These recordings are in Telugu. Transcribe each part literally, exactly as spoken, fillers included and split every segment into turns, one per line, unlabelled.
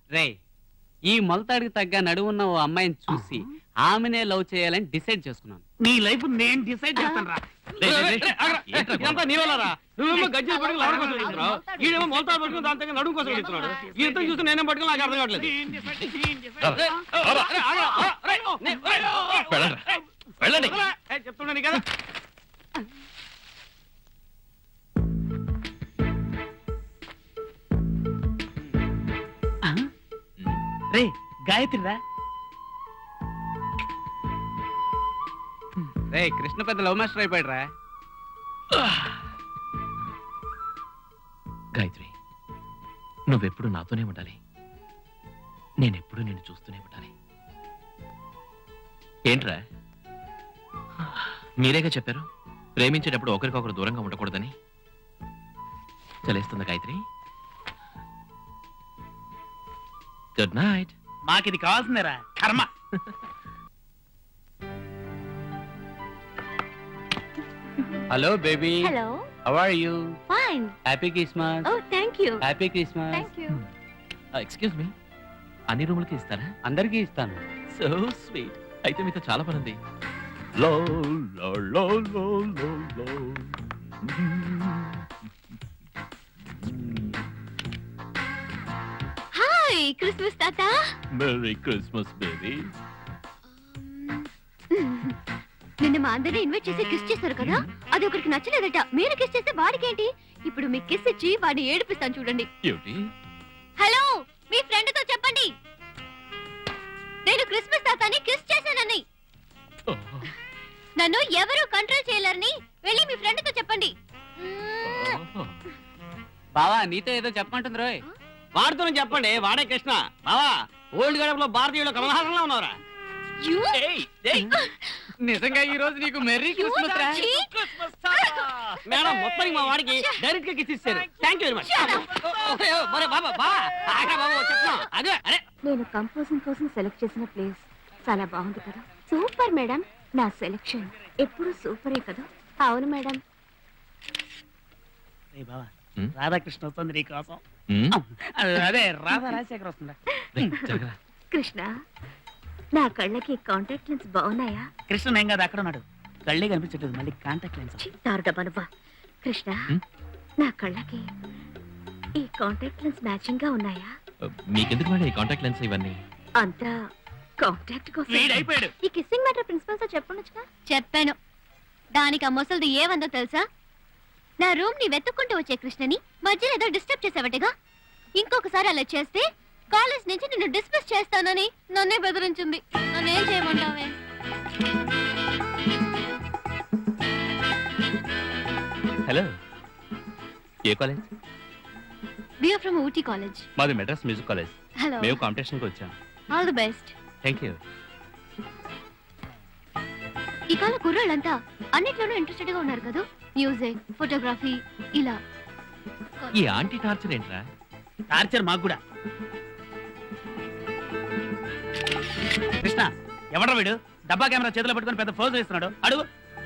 రే ఈ మొలతాడికి తగ్గ నడువున్న ఓ అమ్మాయిని చూసి ఆమెనే లవ్ చేయాలని డిసైడ్ చేసుకున్నాను.
నీ లైఫ్ నేను డిసైడ్ చేస్తాను రా. ఇదంతా నీ వల్లరా. నువ్వేమో గజ్జలు పట్టుకుని లవర్ కోసం వెళ్తున్నావు, ఈడేమో మొలతాడు పట్టుకుని దాని దగ్గర నడుము కోసం వెళ్తున్నాడు. ఇంత చూసి నేనేం పట్టుకుని నాకు అర్థం కావట్లేదు. చెప్తున్నాను కదా. రే గాయత్రి రా.
రే కృష్ణ పెద్ద లవ్ మాస్టర్ అయిపోయాడు రా.
గాయత్రి, నువ్వెప్పుడు నాతోనే ఉండాలి, నేనెప్పుడు నిన్ను చూస్తూనే ఉండాలి. ఏంట్రా, మీరేగా చెప్పారు ప్రేమించేటప్పుడు ఒకరికొకరు దూరంగా ఉండకూడదని. చలేస్తుందా గాయత్రి? Good night.
మాకిది కావాల్సిందేరా కర్మ.
Hello baby.
Hello.
How are you?
Fine.
Happy Christmas.
Oh thank you.
Happy Christmas.
Thank you.
Excuse me, అన్ని రూములకి ఇస్తారా?
అందరికీ ఇస్తాను.
So sweet. అయితే మీతో చాలా పని ఉంది. లో లో లో లో లో లో.
హాయ్ క్రిస్మస్ తాత.
Merry Christmas baby.
నిన్న మా అందరిని ఇన్వైట్ చేసి కిస్ చేశారు కదా, అది ఒకరికి నచ్చలేదట. మీరు కిస్ చేస్తే వాడికేంటి? ఇప్పుడు మీకు కిస్ ఇచ్చి వాడిని ఏడిపిస్తాను చూడండి. హలో, మీ ఫ్రెండ్ తో చెప్పండి నేను క్రిస్మస్ తాతని కిస్ చేశానని. నన్ను ఎవరు కంట్రోల్ చేయలేరని వెళ్ళి మీ ఫ్రెండ్ తో చెప్పండి.
బావా నీతో ఏదో చెప్పమంటుంది రోయ్.
వాడితో చెప్పండి, వాడే కృష్ణ. బావా ఓల్డ్ గడపలో భారతీయుల కమలహాసంలో ఉన్నారా?
నిజంగా ఈ రోజు నీకు మెర్రీ క్రిస్మస్ రా.
మేడం మొత్తానికి మా వాడికి డైరెక్ట్ గా కిస్ ఇచ్చారు. Thank you very much.
నేను కంపోజింగ్ కోసం సెలెక్ట్ చేసిన ప్లేస్ చాలా బాగుంది కదా. సూపర్ మేడం, నా సెలెక్షన్ ఎప్పుడు సూపరే కదా. అవును మేడం.
రాధాకృష్ణ వస్తుంది నీ కోసం. అదే రాధా రాజశేఖర్ వస్తుందా?
కృష్ణ, నా కళ్ళకి కాంటాక్ట్ లెన్స్ బాగున్నాయా?
కృష్ణ ఏం కాదు, అక్కడ ఉన్నాడు. కళ్ళే కనిపించట్లేదు, మళ్ళీ కాంటాక్ట్ లెన్స్.
తారుడబ్బా. కృష్ణ, నా కళ్ళకి ఈ కాంటాక్ట్ లెన్స్ మ్యాచింగ్ గా ఉన్నాయా?
మీకెందుకు మేడం ఈ కాంటాక్ట్ లెన్స్ ఇవన్నీ?
అంతా కాంటాక్ట్ కోసం.
అయిపోయాడు.
ఈ కిస్సింగ్ మ్యాటర్ ప్రిన్సిపల్ తో చెప్పనుగా. చెప్పాను. దానికి ఆ ముసలిది ఏమందో తెలుసా? నా రూమ్ ని వెతుక్కుంటూ వచ్చే కృష్ణని మధ్యలో ఏదో డిస్టర్బ్ చేసావటగా. ఇంకొకసారి అలా చేస్తే కాలేజ్ నుంచి నిన్ను డిస్మిస్ చేస్తానని నన్నే బెదిరించింది. నన్నేం చేయమంటావే?
హలో, ఏ college?
We are from Ooty college.
మాది మెడ్రాస్ మ్యూజిక్ కాలేజ్.
హలో.
మేము కాంపిటీషన్ కి వచ్చాం.
All the best.
Thank you.
ఈ కాల కుర్రాళ్ళంతా అన్నిట్లోనూ ఇంట్రెస్టెడ్ గా ఉన్నారు కదా. మ్యూజిక్, ఫోటోగ్రఫీ, ఇలా.
ఈ ఆంటీ టార్చర్ ఏంట్రా?
టార్చర్ మాకు కూడా. కృష్ణ ఎవడ్రా వీడు? డబ్బా కెమెరా చేతిలో పట్టుకొని పెద్ద ఫోజ్ వేస్తున్నాడు. అడుగు.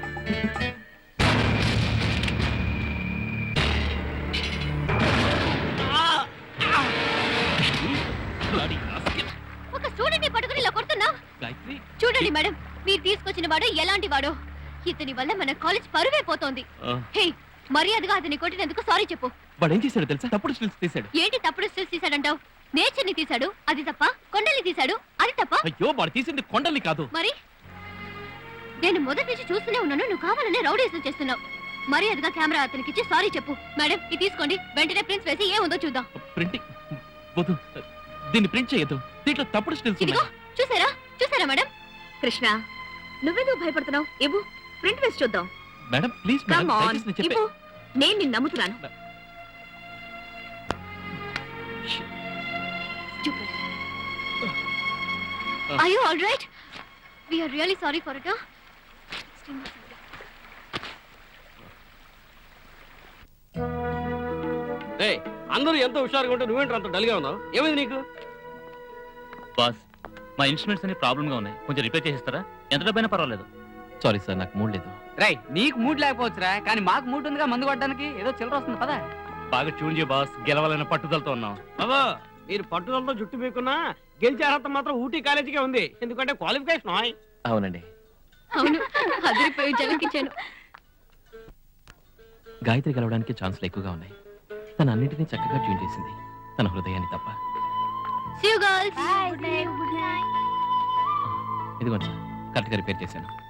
ఒక స్టూడెంట్ ని పట్టుకుని ఇలా కొడుతున్నా. చూడండి మేడం, మీరు తీసుకొచ్చిన వాడు ఎలాంటి వాడో. ఇతని వల్ల మన కాలేజ్ పరువే పోతోంది. హే, మర్యాదగా అతని కొట్టినందుకు సారీ చెప్పు.
వాడు ఏం చేశాడు తెలుసా? తప్పుడు స్టిల్స్ తీశాడు.
ఏంటి తప్పుడు స్టిల్స్ తీశాడంటావు? నేచర్ ని తీశాడు, అది తప్ప. కొండల్ని తీశాడు, అది తప్ప.
అయ్యో, వాడు తీసింది కొండల్ని కాదు.
మరి నేను మొదటి నుంచి చూస్తూనే ఉన్నాను, నువ్వు కావాలనే రౌడీసం చేస్తున్నావు. మర్యాదగా కెమెరా అతనికి ఇచ్చి సారీ చెప్పు. మేడం, ఇది తీసుకోండి. వెంటనే ప్రింట్స్ వేసి ఏముందో చూద్దాం.
ప్రింటింగ్ వద్దు, దీన్ని ప్రింట్ చేయొద్దు. దీంట్లో తప్పుడు స్టిల్స్
ఇదిగో చూసారా చూసారా మేడం? కృష్ణ, నువ్వెందుకు భయపడుతున్నావు? ఇవ్వు, ప్రింట్ వేసి చూద్దాం.
మేడం ప్లీజ్ మేడం, దయచేసి నేను చెప్పే.
నేను నిన్ను నమ్ముతున్నాను. Are you all right? We are really sorry for it, huh?
ఏయ్, అందరూ ఎంతో హుషారుగా ఉంటే నువ్వేంటి అంత డల్గా ఉన్నావు? ఏమైంది నీకు?
బాస్, మా ఇన్స్ట్రుమెంట్స్ అన్ని ప్రాబ్లమ్ గా ఉన్నాయి, కొంచెం రిపేర్ చేసిస్తారా? ఎంత డబ్బైనా పర్వాలేదు. సారీ సార్, నాకు మూడ్ లేదు.
రై, నీకు మూడ్ లేకపోవచ్చురా, కానీ మాకు మూడ్ ఉందిగా మందు కొట్టడానికి. ఏదో చిల్లర వస్తుంది పదా.
బాగా ట్యూన్ చేయ బాస్, గెలవాలన్న పట్టుదలతో ఉన్నాం.
బాబా, మీరు పట్టుదలతో జుట్టు మీకున్నా గెలిచే అర్హత మాత్రం ఊటీ కాలేజీకే ఉంది, ఎందుకంటే క్వాలిఫికేషన్ ఆయ్.
అవునండి.
అవును, అదిరిపోయి జలకిచ్చాను.
గాయత్రి కలవడానికి ఛాన్సులు ఎక్కువగా ఉన్నాయి. తన అన్నింటినీ చక్కగా ట్యూన్ చేసింది, తన హృదయాన్ని తప్ప.
See you girls. Bye. Good night.
ఇదిగోండి సార్, కరెక్ట్గా రిపేర్ చేశాను.